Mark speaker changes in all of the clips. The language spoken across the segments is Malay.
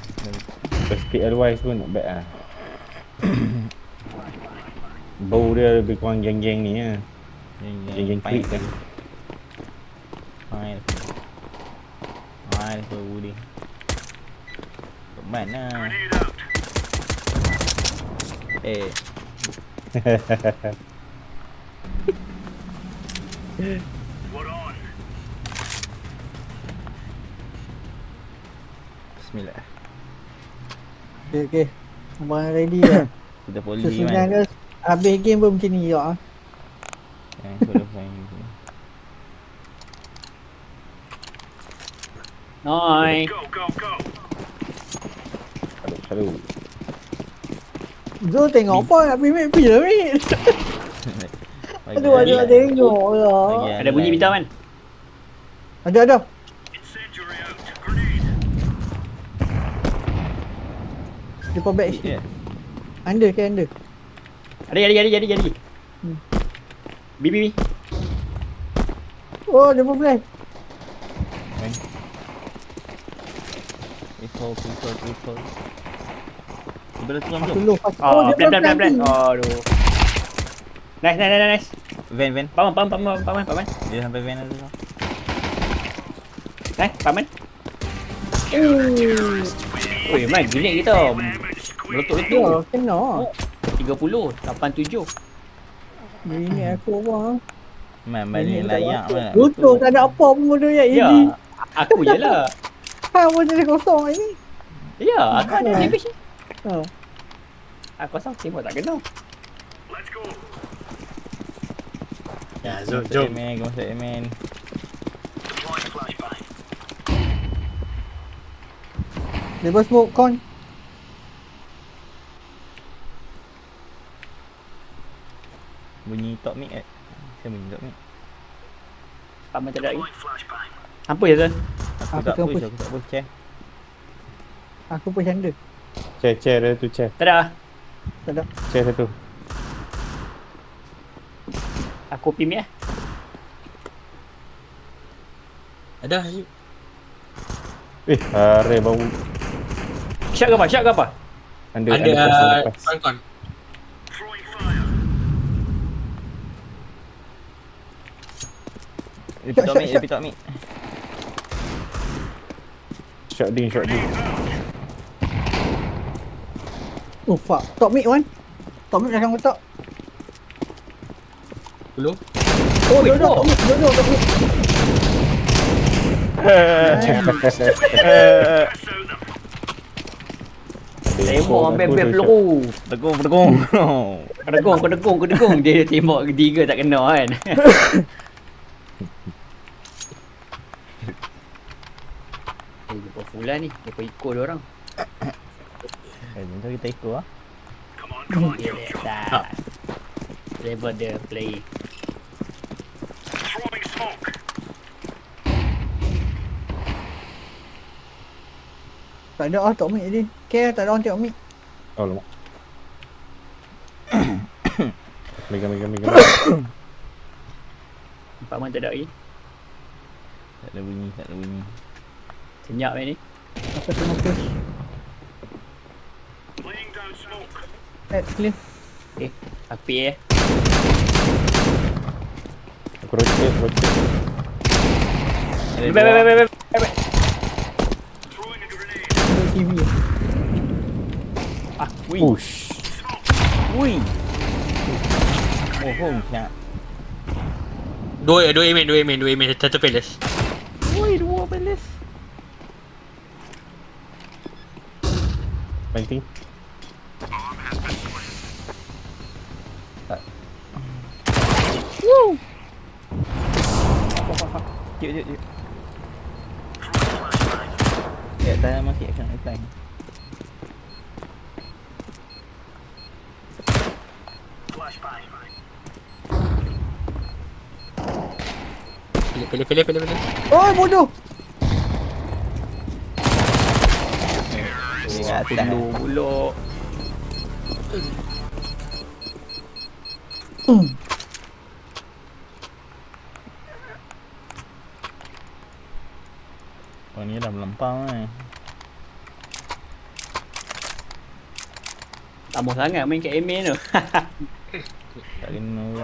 Speaker 1: Speed otherwise pun not bad lah. Bau dia lebih kurang geng-geng ni lah. Geng-geng krik kan.
Speaker 2: Fine. Fine for Woody. Kat mana? Eh. Bismillah.
Speaker 3: Okay. Abang ready dah.
Speaker 2: Kita poli
Speaker 3: Sebenarnya habis game pun macam ni juga.
Speaker 2: Aku dah fine.
Speaker 4: Nice.
Speaker 1: Selalu.
Speaker 3: Zul tengok apa nak pergi map je ni. Aduh, ada tengok lah.
Speaker 4: Ada bunyi bintang kan?
Speaker 3: Ada. Depan back sikit. Under ke under?
Speaker 4: Jadi. B.
Speaker 3: Oh, dia pun flash.
Speaker 2: People. Bila tu
Speaker 3: Pas
Speaker 2: jom.
Speaker 3: dulu.
Speaker 4: Oh,
Speaker 3: dia
Speaker 4: plan.
Speaker 3: flanking.
Speaker 4: Aduh. Nice.
Speaker 2: Van.
Speaker 4: Paman.
Speaker 2: Dia sampai van tu.
Speaker 4: Nice, paman. Oi, man, grenade kita. Meletup-letup.
Speaker 3: Ya, kena.
Speaker 4: 30, 87.
Speaker 3: Ini aku apa?
Speaker 2: Man balik layak man.
Speaker 3: Betul, tak ada apa pun bodoh ya.
Speaker 4: Ya, aku je lah.
Speaker 3: Ha, pun jadi kosong ini.
Speaker 4: Ya, aku ada damage.
Speaker 3: Ha.
Speaker 4: Aku rasa tembak tak kena.
Speaker 5: Ya, jom.
Speaker 2: Masuk amen.
Speaker 3: Lepas smoke con.
Speaker 2: Bunyi top mic Saya bunyi top mic.
Speaker 4: Paman tak ada lagi. Apa je tu?
Speaker 2: Aku tak push. Chair.
Speaker 3: Aku pun canda.
Speaker 1: Chair dia tu chair.
Speaker 4: Tak ada.
Speaker 3: Tak ada.
Speaker 1: Chair satu.
Speaker 4: Aku pim ya.
Speaker 5: Ada.
Speaker 1: Hare bau.
Speaker 4: Shot ke apa?
Speaker 1: Under
Speaker 5: Ada
Speaker 1: lepas.
Speaker 5: con.
Speaker 2: Lebih top mic.
Speaker 1: Shot ding.
Speaker 3: Oh fuck. Top mid one. Top mid belakang kotak.
Speaker 5: Dulu.
Speaker 3: Oh, duduk top mid.
Speaker 4: Tembak ambil peluru.
Speaker 2: Pedekung.
Speaker 4: Kedekung. Dia tembak ketiga tak kena kan. Dia full lah ni. Dia ikut dia orang.
Speaker 2: Jom kita ikut lah.
Speaker 4: Dia dah. Level dia play.
Speaker 3: Tak ada top mid tadi. Care tak ada orang tengok mid.
Speaker 1: Oh lama. Megang.
Speaker 4: Paman tak ada lagi.
Speaker 2: Tak ada bunyi.
Speaker 4: Senyap ni.
Speaker 3: Apa tengok push. Clear.
Speaker 4: Okay. Api
Speaker 1: Aku rotate.
Speaker 4: Baik.
Speaker 3: TV.
Speaker 1: Push.
Speaker 2: Ui. Oh, nak.
Speaker 5: Dua amen. Satu palace.
Speaker 2: Ui, dua palace.
Speaker 1: Fighting.
Speaker 2: Woo. Jut. Ya, dah mati akan apply.
Speaker 5: Pilih.
Speaker 3: Oh, bodoh.
Speaker 2: Tunggu pula. Oh ni dah melempang
Speaker 4: Lama sangat main kat Amen tu.
Speaker 2: Tak kena pula.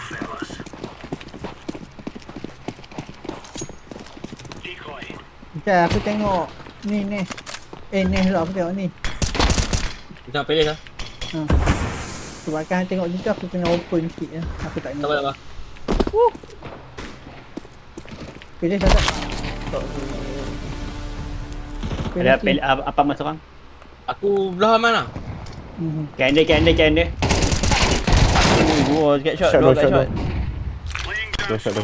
Speaker 3: Sekejap aku tengok. Ni. Ni pula aku tengok ni.
Speaker 5: Kita pilih lah.
Speaker 3: Sebabkan tengok juga aku kena open sikit lah. Aku tak
Speaker 5: Tak
Speaker 3: nak.
Speaker 5: apa.
Speaker 3: Pilih tak?
Speaker 4: Ada apa mas orang?
Speaker 5: Aku belah mana?
Speaker 4: Can dia.
Speaker 2: Dua dekat shot,
Speaker 1: Shot,
Speaker 2: dua
Speaker 1: dua
Speaker 2: kat
Speaker 1: shot,
Speaker 2: shot.
Speaker 1: Dua shot.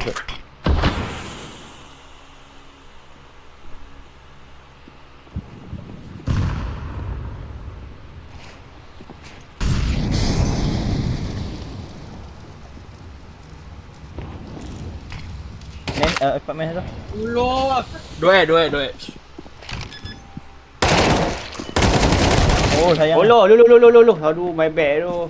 Speaker 2: Apartment tu.
Speaker 5: Allah. Dua.
Speaker 2: Oh sayang.
Speaker 4: Oh lo. Aduh my bad tu.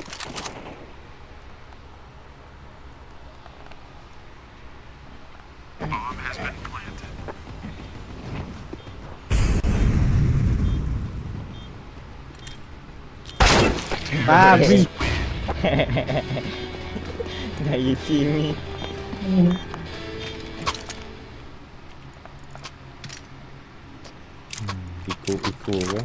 Speaker 3: Babi.
Speaker 2: Gaya Cimi.
Speaker 1: Piko ke?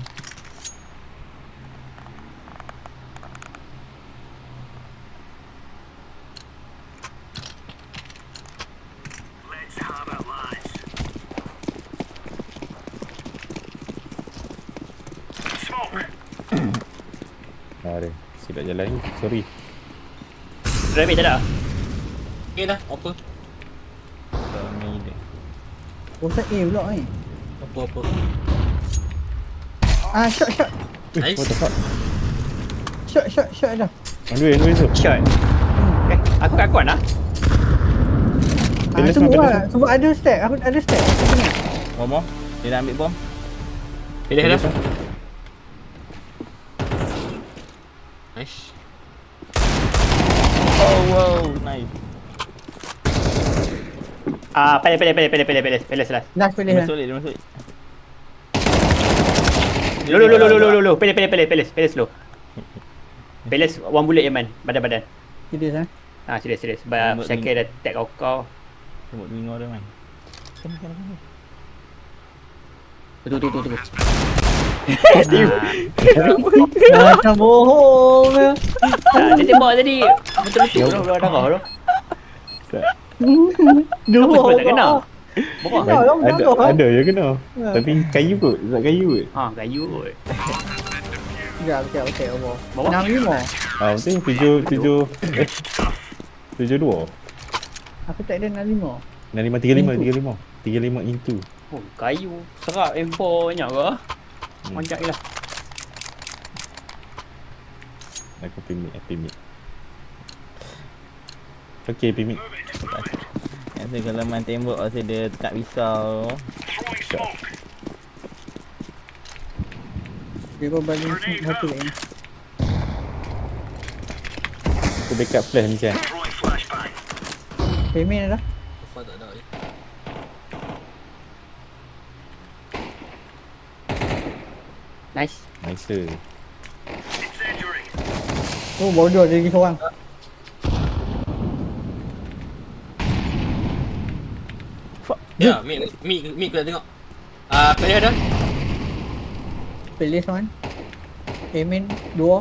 Speaker 1: Ada. Silap jalan ni. Sorry.
Speaker 4: Rabbit tak ada?
Speaker 5: Okay dah. Apa?
Speaker 2: Ni dia.
Speaker 3: Bosan A pula ni.
Speaker 5: Apa?
Speaker 3: Shot.
Speaker 5: Nice.
Speaker 1: What the fuck?
Speaker 3: Shot dah.
Speaker 1: Anduin tu.
Speaker 4: Shot. Aku lah.
Speaker 1: Pilih
Speaker 3: Tunggu
Speaker 1: semua,
Speaker 3: lah. Sebab ada stack. Aku ada stack. Aku ingat.
Speaker 2: Bom. Dia nak ambil bom.
Speaker 5: Pilih dah. Nice.
Speaker 2: Oh wow, nice.
Speaker 4: Pilih last.
Speaker 3: Dah pilih
Speaker 2: Dia
Speaker 3: lah.
Speaker 2: masuk dia masuk.
Speaker 4: Lo. Pilih slow. Pilih one bullet Yaman. Badan.
Speaker 3: Serius lah.
Speaker 4: Serius. Sebab
Speaker 2: Tembak
Speaker 4: Syakir dah tag kau.
Speaker 2: Tengok telinga dia man.
Speaker 4: Tunggu.
Speaker 3: Macam bohong ke.
Speaker 4: Dia tembak tadi. Betul-betul dah darah tu.
Speaker 3: Dua
Speaker 4: Apa tak kena? Bokong.
Speaker 1: Ada je kena. Tapi kayu kot. Tak kayu kot.
Speaker 4: Kayu kot.
Speaker 3: Sekejap, okey.
Speaker 4: Bawa.
Speaker 3: 65.
Speaker 1: Penting 72.
Speaker 3: Aku tak ada 65.
Speaker 1: 35 into.
Speaker 4: Oh, kayu. Serap M4 banyak ke? Banyak je lah.
Speaker 1: Aku pimik. Okay, pimik.
Speaker 2: Yang tu kalau main tembak rasa dia tak risau.
Speaker 3: Dia kau balik satu lagi.
Speaker 1: Aku backup flash ni Chan.
Speaker 3: Payment dah.
Speaker 5: Apa tak ada.
Speaker 4: Nice.
Speaker 1: Nice.
Speaker 3: Oh, bodoh ada lagi seorang.
Speaker 5: Ya, Mik kena tengok. Pilih dah.
Speaker 3: Pilih seorang. Payment 2.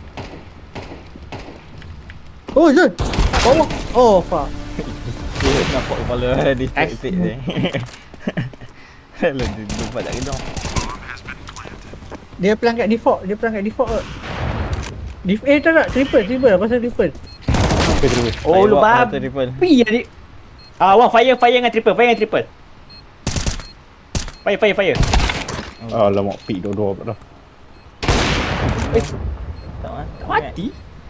Speaker 3: Oh, Zul. Bawah. Oh, fuck.
Speaker 2: Dia nampak kepala distract dia. Kalau dia lupa tak kena.
Speaker 3: Dia pelangkat default ke? Tak. Triple. Aku rasa triple.
Speaker 1: Okay, terus.
Speaker 4: Oh, lu
Speaker 2: Satu triple.
Speaker 4: babi tadi. Wang fire dengan triple. Fire.
Speaker 1: Alamak, pick dua dah.
Speaker 2: Tak ah.
Speaker 4: Mati.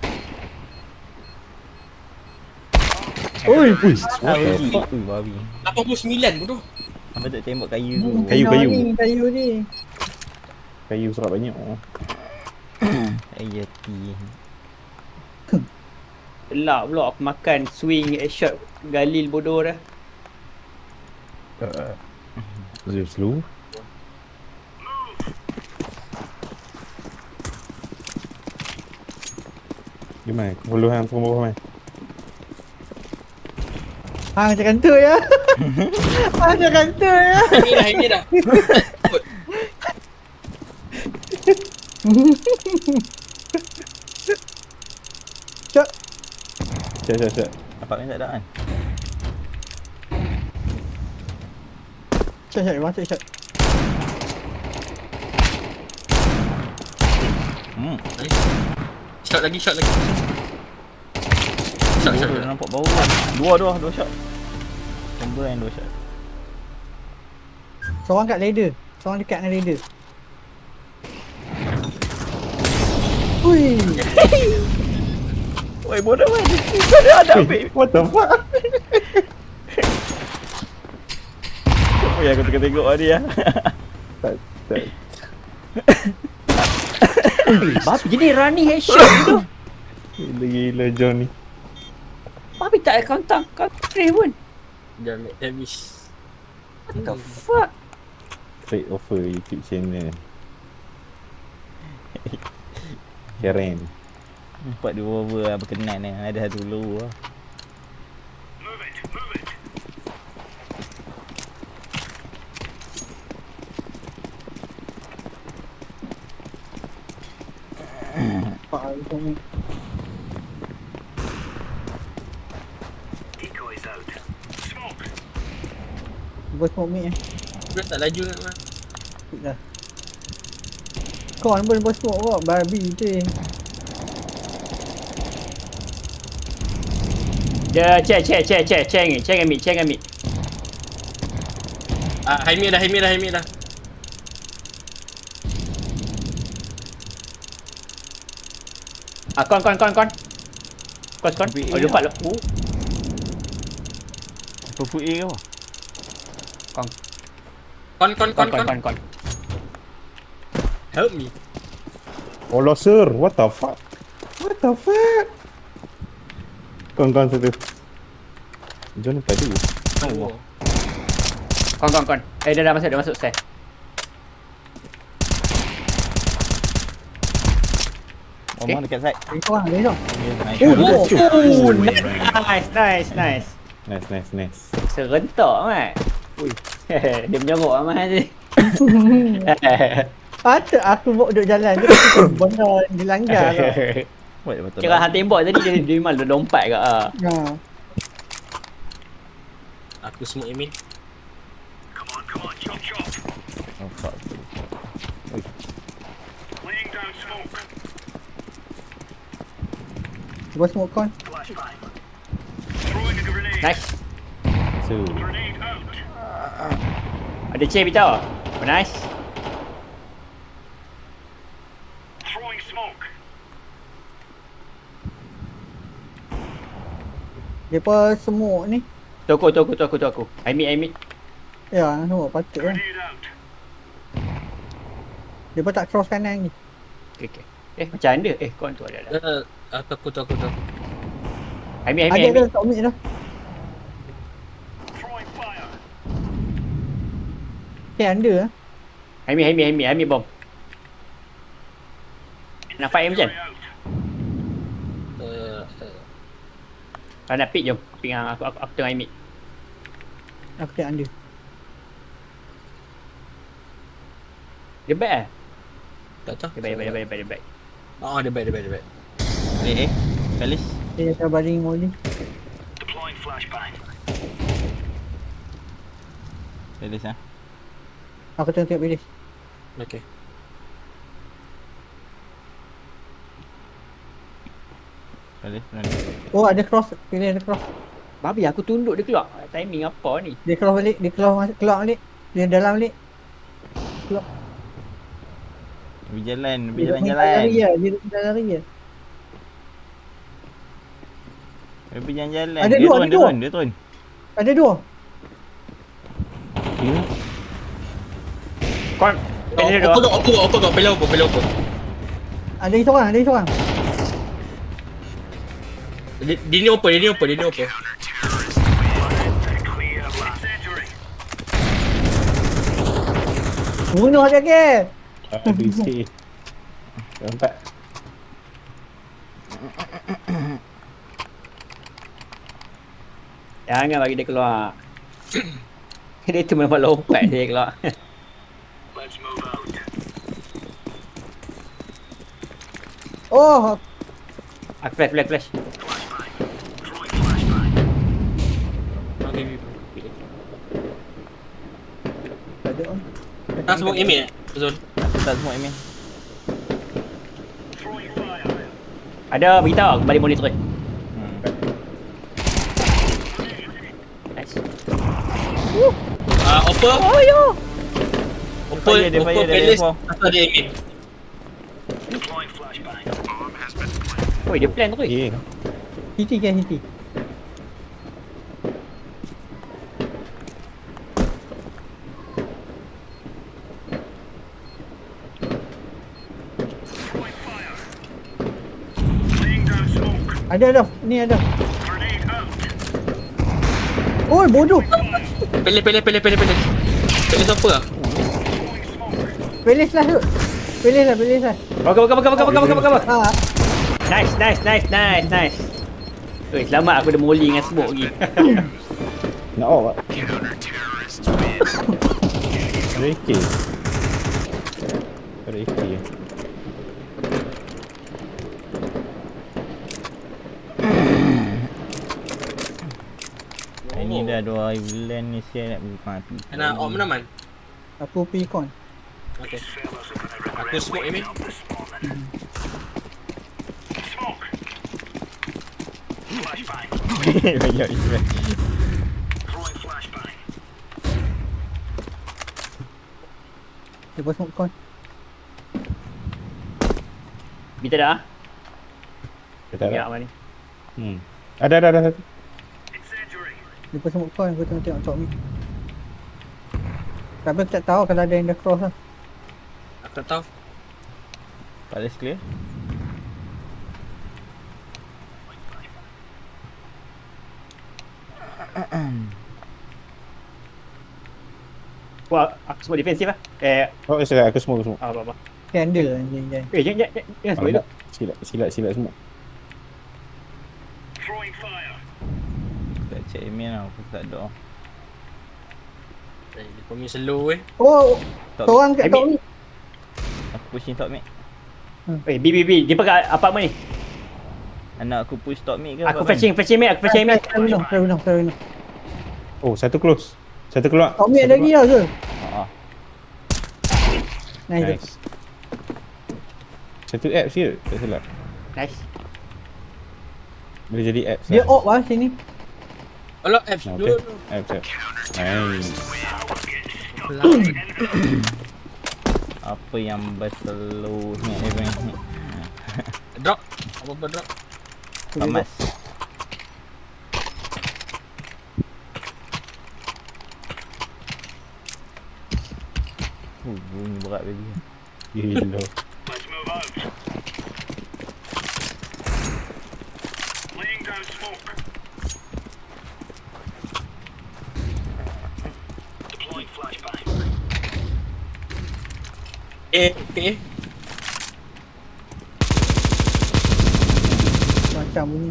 Speaker 3: Oi.
Speaker 2: Babi.
Speaker 5: 89 bodoh.
Speaker 2: Apa tak tembak kayu tu?
Speaker 3: Kayu ni.
Speaker 1: Kayu serap banyak.
Speaker 2: Ayati.
Speaker 4: Gelap pula aku makan swing headshot Galil bodoh dah.
Speaker 1: Slow. Gimana? Puluhan puluh mai.
Speaker 3: Hang macam tu ya. Hang macam tu ya.
Speaker 5: Ini dah.
Speaker 3: Cak.
Speaker 1: Cek.
Speaker 2: Dapat ni tak ada kan?
Speaker 3: Cak masuk cak.
Speaker 5: Nice. Shot lagi. Shot.
Speaker 2: Dia nampak bau kan. Dua shot. Combo yang 2 shot.
Speaker 3: Seorang kat ladder. Seorang dekat dengan ladder. Hui.
Speaker 2: Oi, bodoh kan. Dia ada ambil.
Speaker 1: What the fuck?
Speaker 2: Oh ya, aku tengok dia.
Speaker 1: Tak.
Speaker 4: Babi jadi running headshot tu.
Speaker 1: Gila John ni.
Speaker 4: Babi tak ada counter pun.
Speaker 5: Jangan make damage.
Speaker 4: What the fuck?
Speaker 1: Straight offer YouTube channel. Keren.
Speaker 2: Nampak dua over berkenan ni. Ada satu low lah.
Speaker 3: Pak ni. Bos smoke mid
Speaker 5: Dia tak laju nak mah.
Speaker 3: dah. Kau pun bos smoke kau babi tu.
Speaker 4: Dia check ambil.
Speaker 5: High mid dah.
Speaker 4: Kon. Oh, lupa lu.
Speaker 2: Apa put A ke apa?
Speaker 5: Kon. Help me.
Speaker 1: Allah sir, what the fuck? Kon satu. John ni padu.
Speaker 5: Oh.
Speaker 4: Kon. Dia dah masuk stairs.
Speaker 2: Omong dekat side.
Speaker 3: Kau orang dia.
Speaker 4: Nice. Serentak mat. Dia menyorok amat je.
Speaker 3: Patut aku bawa duduk jalan tu benda dilanggar tau.
Speaker 2: Buat dia betul.
Speaker 4: Kira hang tembak tadi dia malah lompat ke ah.
Speaker 3: Ha.
Speaker 5: Aku smoke Emin.
Speaker 2: Oh fuck.
Speaker 3: Bos smoke kon.
Speaker 4: Nice.
Speaker 1: So,
Speaker 4: Ada chair bitau. Oh, nice.
Speaker 3: Depa smoke ni.
Speaker 4: Tu aku. I meet.
Speaker 3: Ya, semua patut lah. Depa tak cross kanan ni.
Speaker 4: Okay. Macam anda. Kon tu ada.
Speaker 5: Aku tu.
Speaker 4: I meet.
Speaker 3: Ada tak mid dah. Under ah.
Speaker 4: I meet bom. Nak fight macam? Kalau nak pick jom. Pick dengan aku tengah I meet.
Speaker 3: Aku tak under.
Speaker 4: Dia back eh?
Speaker 5: Tak tahu.
Speaker 4: Dia back.
Speaker 5: Oh, dia baik.
Speaker 2: Kalis.
Speaker 3: Dia dah baring molly.
Speaker 2: Kalis ah.
Speaker 3: Aku tengok pilih.
Speaker 5: Okay.
Speaker 2: Kalis.
Speaker 3: Oh, ada cross. Pilih ada cross.
Speaker 4: Babi aku tunduk dia keluar. Timing apa ni?
Speaker 3: Dia keluar balik. Dia keluar balik. Dia dalam balik. Keluar.
Speaker 2: Berjalan.
Speaker 3: Dia lari ya. Dia lari ya.
Speaker 2: Dia berjalan-jalan.
Speaker 3: Ada
Speaker 2: Dia
Speaker 3: dua,
Speaker 2: turun. Dia turun.
Speaker 3: Ada dua.
Speaker 4: Kon. Pilih dia dua.
Speaker 5: Open, pilih open.
Speaker 3: Ada seorang.
Speaker 5: Dia ni open.
Speaker 3: Bunuh dia ke?
Speaker 1: Aduh sikit. Nampak?
Speaker 4: Jangan bagi dia keluar. Dia tu memang lompat dia keluar.
Speaker 3: Oh,
Speaker 4: Aku flash.
Speaker 5: Okay.
Speaker 3: tak ada on.
Speaker 5: Tak smoke email Zul.
Speaker 2: Aku tak semua email.
Speaker 4: Ada beritahu aku balik monitor. Nice.
Speaker 5: Oppo.
Speaker 4: Oh yo.
Speaker 5: Oppo
Speaker 2: Dia fire, dia
Speaker 5: Palace
Speaker 2: fire.
Speaker 5: asal dia email.
Speaker 4: Oi, dia plan tu.
Speaker 1: Yeah.
Speaker 3: Hiti kan hiti. Ada. Ni ada. Oi, bodoh.
Speaker 5: Pele. Pele siapa lah?
Speaker 3: Pelis lah tu. Pelis lah.
Speaker 4: Bakar.
Speaker 3: Ha.
Speaker 4: Nice. Oi, selamat aku ada molly dengan smoke lagi.
Speaker 1: Nak off tak? Ada AK. Ada AK.
Speaker 2: Ini dah 2 bulan ni saya nak mati.
Speaker 5: Nak op mana man?
Speaker 3: Aku pergi con.
Speaker 5: Okay. Aku smoke email.
Speaker 2: Banyak email.
Speaker 3: Dia buat smoke con.
Speaker 4: Kita dah.
Speaker 1: Kita
Speaker 4: Ya,
Speaker 1: ada.
Speaker 4: mana ni?
Speaker 1: Ada satu.
Speaker 3: Dia buat smoke con. Aku tengok top ni. Tapi aku tak tahu kalau ada yang dah cross lah.
Speaker 5: Aku tak tahu.
Speaker 2: Palace clear.
Speaker 4: Wah, aku semua defensif lah.
Speaker 1: Oh, aku semua.
Speaker 4: Apa.
Speaker 3: Candle anjing.
Speaker 4: Jangan semua itu.
Speaker 1: Silap semua.
Speaker 2: Tak check email lah. Aku tak ada.
Speaker 5: Dia punya slow
Speaker 3: Oh,
Speaker 2: Top
Speaker 3: seorang kat top ni.
Speaker 2: Aku pushing top mid.
Speaker 4: B. Dia pakai apartment ni.
Speaker 2: Anak aku push top mid ke?
Speaker 4: Aku
Speaker 2: apa,
Speaker 4: fetching mid.
Speaker 3: Terminal.
Speaker 1: Oh, satu close. Satu keluar.
Speaker 3: Top ni ada lagi lah ke?
Speaker 2: Ah,
Speaker 3: Nice.
Speaker 1: Nice. Satu apps je. Tak silap.
Speaker 4: Nice.
Speaker 1: Boleh jadi apps
Speaker 3: Dia op lah sini.
Speaker 5: Alah apps
Speaker 1: Okay.
Speaker 5: dulu.
Speaker 1: Apps. Nice.
Speaker 2: apa yang berselu ni event ni?
Speaker 5: Drop. Apa drop?
Speaker 2: Pamas. Bunyi berat baby.
Speaker 1: Gila.
Speaker 5: Okay.
Speaker 3: Macam bunyi.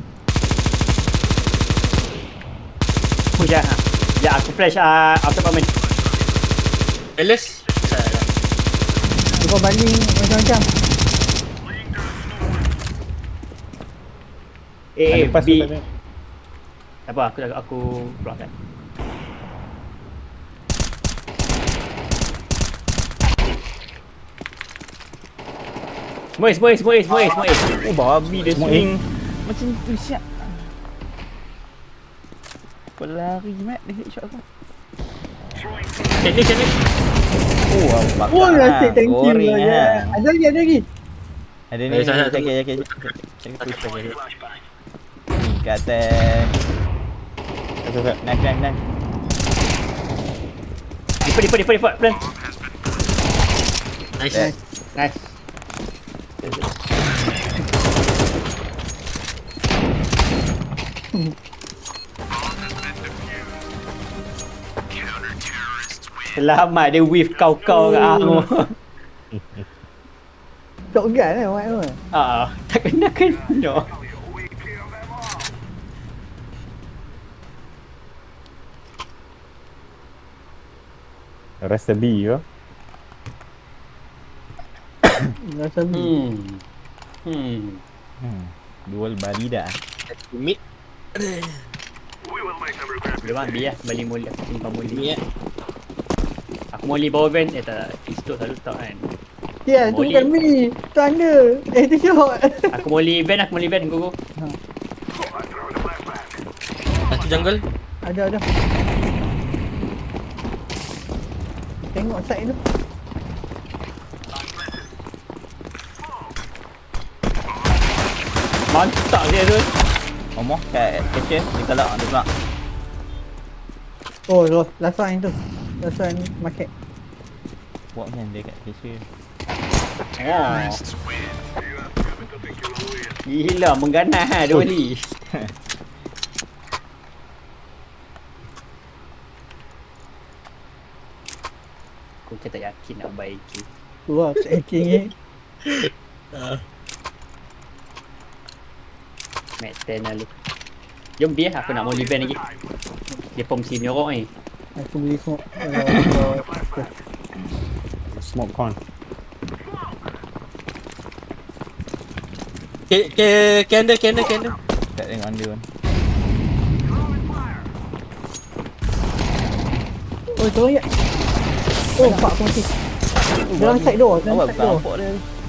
Speaker 4: Push lah. Ya, aku flash apartment.
Speaker 5: Palace.
Speaker 3: Dia banding macam-macam.
Speaker 1: Lepas
Speaker 4: B.
Speaker 1: tu tak ada.
Speaker 4: Tak apa, aku keluarkan. Semua.
Speaker 2: Oh babi dia
Speaker 1: Semua
Speaker 2: swing. Macam tu siap. Kau lari mat dia headshot kau.
Speaker 5: Cantik.
Speaker 2: Oh bakar.
Speaker 3: Oh, nasib thank you.
Speaker 2: Goreng
Speaker 3: Ya.
Speaker 2: ah.
Speaker 3: Ada lagi.
Speaker 2: Ada ni.
Speaker 5: Satu.
Speaker 2: Jaga. Kat atas.
Speaker 1: Satu.
Speaker 2: Knife.
Speaker 4: Default plan.
Speaker 5: Nice.
Speaker 4: Nice. Selamat dia whiff kau-kau kat aku.
Speaker 3: Shotgun lah Mat tu.
Speaker 4: Tak kena.
Speaker 1: Rasa B ke?
Speaker 3: Rasa B.
Speaker 2: Dual barida.
Speaker 5: Mid.
Speaker 4: Boleh bang, biar balik muli aku simpan muli.
Speaker 5: Mid
Speaker 4: Aku muli bawah van. Tak, pistol selalu tak kan.
Speaker 3: Ya, tu
Speaker 4: Molly.
Speaker 3: bukan B. Tu anda. Itu shot.
Speaker 4: Aku muli van, go.
Speaker 5: Satu jungle.
Speaker 3: Ada. Tengok side tu.
Speaker 4: Mantap dia tu.
Speaker 2: Omoh kat cashier dia kalau dia pula.
Speaker 3: Oh, last one tu. Last one market.
Speaker 2: Buat kan dia kat cashier.
Speaker 4: Oh. Gila, mengganas ha, dua kali. Aku macam tak yakin nak baiki.
Speaker 3: Wah, tracking ni.
Speaker 4: Max 10 lalu. Jom biar aku nak muli van lagi. Dia pom si nyorok ni.
Speaker 3: Aku beli smoke.
Speaker 1: Smoke con.
Speaker 5: Candle.
Speaker 2: Tak tengok anda pun.
Speaker 3: Oh, tolong ya. Oh, fuck aku mati. Dalam side door, dalam
Speaker 2: Awak
Speaker 3: side
Speaker 2: bukan
Speaker 3: door.
Speaker 2: nampak dia.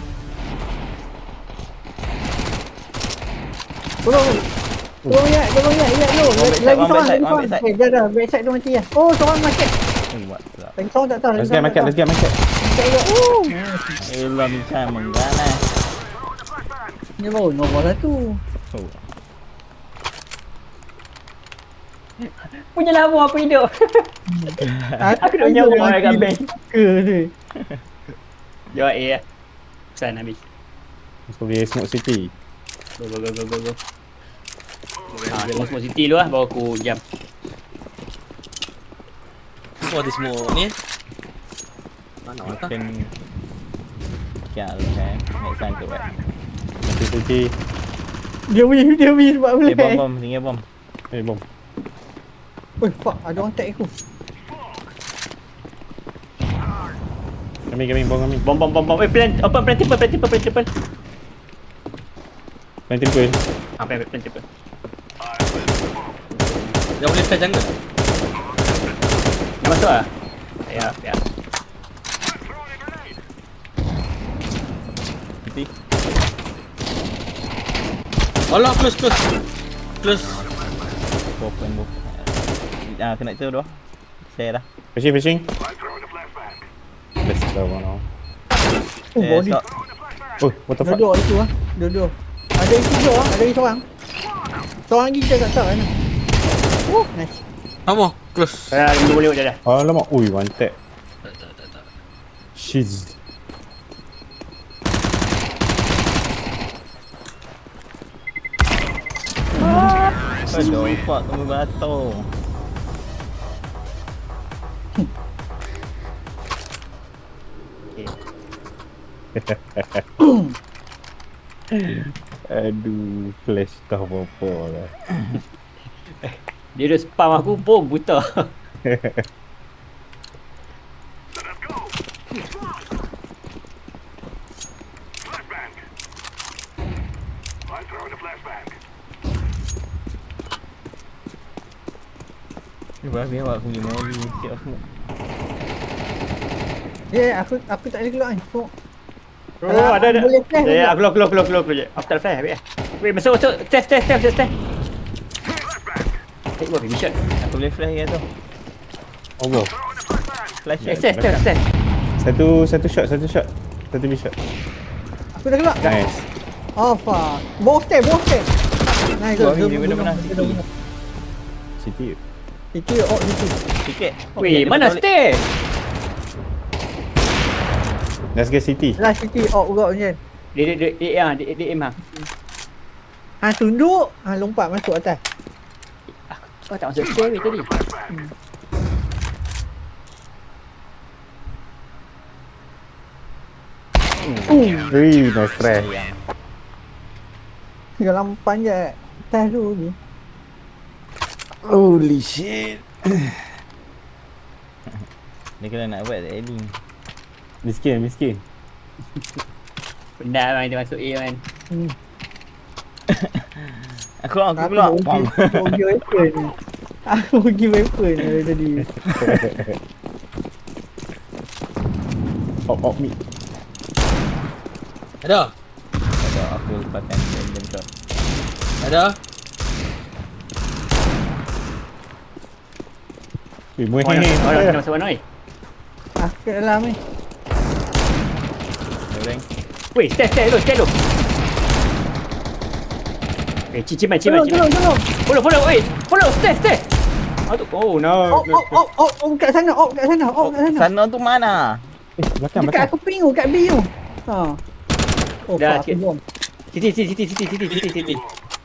Speaker 3: Tolong ya, no. Lagi
Speaker 2: One
Speaker 3: seorang,
Speaker 2: backside, one backside.
Speaker 3: Dah, backside tu mati lah. Oh, seorang market.
Speaker 2: Buat pula.
Speaker 3: Lagi seorang tak tahu.
Speaker 1: Let's get market.
Speaker 3: Market juga.
Speaker 2: Elah Michan mengganas.
Speaker 3: Ni baru nombor satu.
Speaker 2: Oh.
Speaker 4: Punya lama aku hidup. Aku nak nyawa orang kat bank.
Speaker 3: Ke tu.
Speaker 4: Jawab A lah. Pesan habis.
Speaker 1: So we smoke city.
Speaker 4: Go. Tengok semua city dulu lah, baru aku jam.
Speaker 5: Apa ada semua ni? Mana tak?
Speaker 2: Mungkin Kial kan. Next time tu kan.
Speaker 1: City.
Speaker 3: Dia punya sebab boleh.
Speaker 2: Bom. Tinggal bom.
Speaker 1: Bom.
Speaker 3: Oh, fuck. Ada orang tag aku.
Speaker 1: Kami, bom kami.
Speaker 4: Bom. Plan triple.
Speaker 1: Main triple.
Speaker 4: Plan triple.
Speaker 5: Dia boleh fly jungle.
Speaker 4: Nak masuk lah? Ya.
Speaker 2: Nanti.
Speaker 5: Alah, close.
Speaker 2: Open bom. Kena tu dah. Share dah.
Speaker 1: Fishing. Let's go now.
Speaker 3: Oh, body.
Speaker 2: Stop.
Speaker 1: Oh, what the fuck?
Speaker 3: Dua itu lah. Dua. Ada isi dua lah. Ada lagi seorang. Seorang lagi kita tak tahu kan. Nice.
Speaker 5: Apa? Close.
Speaker 4: Saya boleh dah.
Speaker 1: Alamak. Ui, one tap.
Speaker 5: Tak.
Speaker 1: Shiz.
Speaker 2: Aduh, fuck kamu batuk.
Speaker 1: Aduh, flash tak apa-apa lah.
Speaker 4: Dia dah spam aku pun buta.
Speaker 2: Biar aku pergi Mary. Siap aku.
Speaker 3: Aku tak boleh keluar ni. So,
Speaker 4: Oh, ada.
Speaker 3: Boleh flash
Speaker 4: Ya,
Speaker 3: juga.
Speaker 4: aku keluar je. Aku tak flash habis. Wait, masuk. Test. Take one mission.
Speaker 2: Aku boleh flash ke tu.
Speaker 1: Oh, bro.
Speaker 2: Flash.
Speaker 4: Test.
Speaker 1: Satu shot. Satu big shot.
Speaker 3: Aku dah keluar.
Speaker 1: Nice.
Speaker 3: Oh, fuck. Bawah step. Nice.
Speaker 2: Buat
Speaker 3: Dia
Speaker 2: ni, dia
Speaker 3: bunuh.
Speaker 2: benar-benar
Speaker 3: Dia
Speaker 2: sikit.
Speaker 3: bunuh.
Speaker 1: City.
Speaker 3: Itu situ.
Speaker 2: Sikit.
Speaker 4: Weh, mana stay?
Speaker 1: Let's get city.
Speaker 3: Last situ juga macam.
Speaker 4: Dia aim ah.
Speaker 3: Tunduk. Lompat masuk atas.
Speaker 4: Kau tak masuk stay tadi.
Speaker 1: Ui, nice try.
Speaker 3: Dalam panjat atas tu ni.
Speaker 1: Holy shit.
Speaker 2: Dia kena nak buat adding.
Speaker 1: Miskin.
Speaker 4: Benda man dia masuk A man.
Speaker 2: Aku pula.
Speaker 3: Aku pergi weapon ni. Aku pergi weapon dari tadi.
Speaker 1: Op mid.
Speaker 5: Ada?
Speaker 2: Ada aku lepaskan random shot.
Speaker 5: Ada?
Speaker 1: Muih
Speaker 4: Orang
Speaker 1: ni.
Speaker 4: kita masuk mana oi?
Speaker 3: Kat dalam ni.
Speaker 2: Goreng.
Speaker 4: Weh, stay dulu. Ciman.
Speaker 3: Tolong.
Speaker 4: Follow, weh. Follow, stay. Oh no.
Speaker 3: Kat sana.
Speaker 2: Sana tu mana?
Speaker 1: Belakang.
Speaker 3: Dekat aku ping kat B tu. Ha. Oh,
Speaker 4: Dah,
Speaker 3: fuck, aku
Speaker 4: sikit.
Speaker 3: bom.
Speaker 4: City.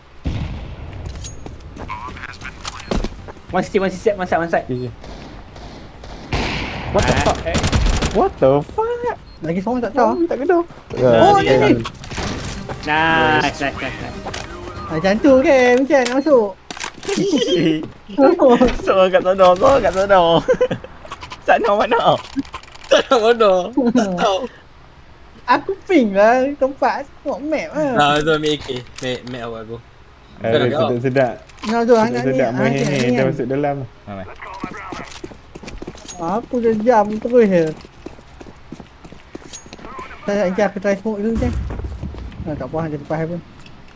Speaker 4: One side.
Speaker 1: What the fuck? What the fuck?
Speaker 3: Lagi seorang tak tahu.
Speaker 1: Tak kena.
Speaker 3: Oh, ni.
Speaker 4: Nice.
Speaker 3: Macam tu kan, macam nak masuk.
Speaker 2: Seorang kat sana. Sana mana?
Speaker 5: Tak nak bodoh. Tak tahu.
Speaker 3: Aku ping lah tempat tengok map lah.
Speaker 5: Nah, tu ambil AK. Make awak aku.
Speaker 1: Sedap.
Speaker 3: Nah tu anak ni.
Speaker 1: Sedap muih ni. Dah masuk dalam.
Speaker 2: Mana?
Speaker 3: Aku dah jam terus je. Aku try smoke dulu je. Tak apa, dia lepas pun.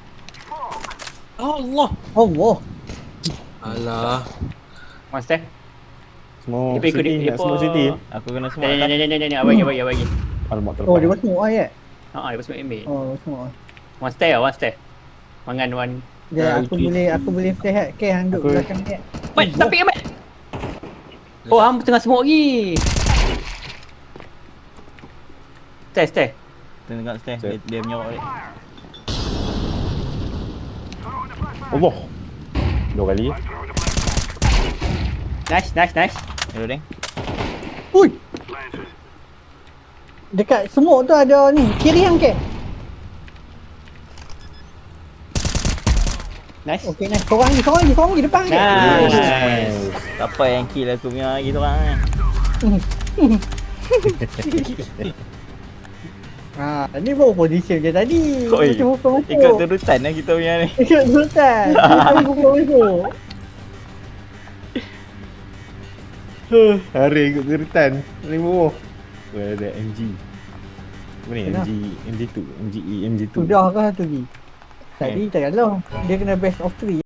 Speaker 5: Allah.
Speaker 3: Allah.
Speaker 5: Alah.
Speaker 4: One stay.
Speaker 1: Smoke
Speaker 4: Dia ikut
Speaker 1: city.
Speaker 4: dia
Speaker 1: Nak smoke city.
Speaker 2: Aku kena semua.
Speaker 4: Ni, abang.
Speaker 1: Alamak
Speaker 3: Oh, dia
Speaker 1: terlepas.
Speaker 3: buat smoke ayat.
Speaker 4: Dia masuk ambil.
Speaker 3: Oh, smoke.
Speaker 4: One stay. Mangan one.
Speaker 3: Dia aku boleh flash ke hang duduk
Speaker 1: Aku-
Speaker 3: belakang dia.
Speaker 4: Mat, tapi Mat. Oh, hang tengah smoke lagi. Stay.
Speaker 2: Tengok stay. Dia menyorok dia.
Speaker 1: Allah. 2 kali.
Speaker 4: Nice.
Speaker 2: Goreng.
Speaker 3: Ui. Dekat smoke tu ada ni, kiri hang ke?
Speaker 4: Nice.
Speaker 3: Okey, nice. Seorang lagi depan ke?
Speaker 4: Nice.
Speaker 2: Siapa yang kill aku punya lagi tu orang.
Speaker 3: Ni baru position je tadi.
Speaker 2: Oi.
Speaker 3: Macam buka masuk.
Speaker 2: Ikut turutan lah kita punya ni.
Speaker 3: Ikut turutan. Kita buka masuk.
Speaker 1: Hari ikut turutan. Ni bawah. Ada MG. Apa ni?
Speaker 3: Kenapa?
Speaker 1: MG2, MGE, MG2.
Speaker 3: Sudah ke satu lagi? Tadi tak ada. Dia kena best of 3.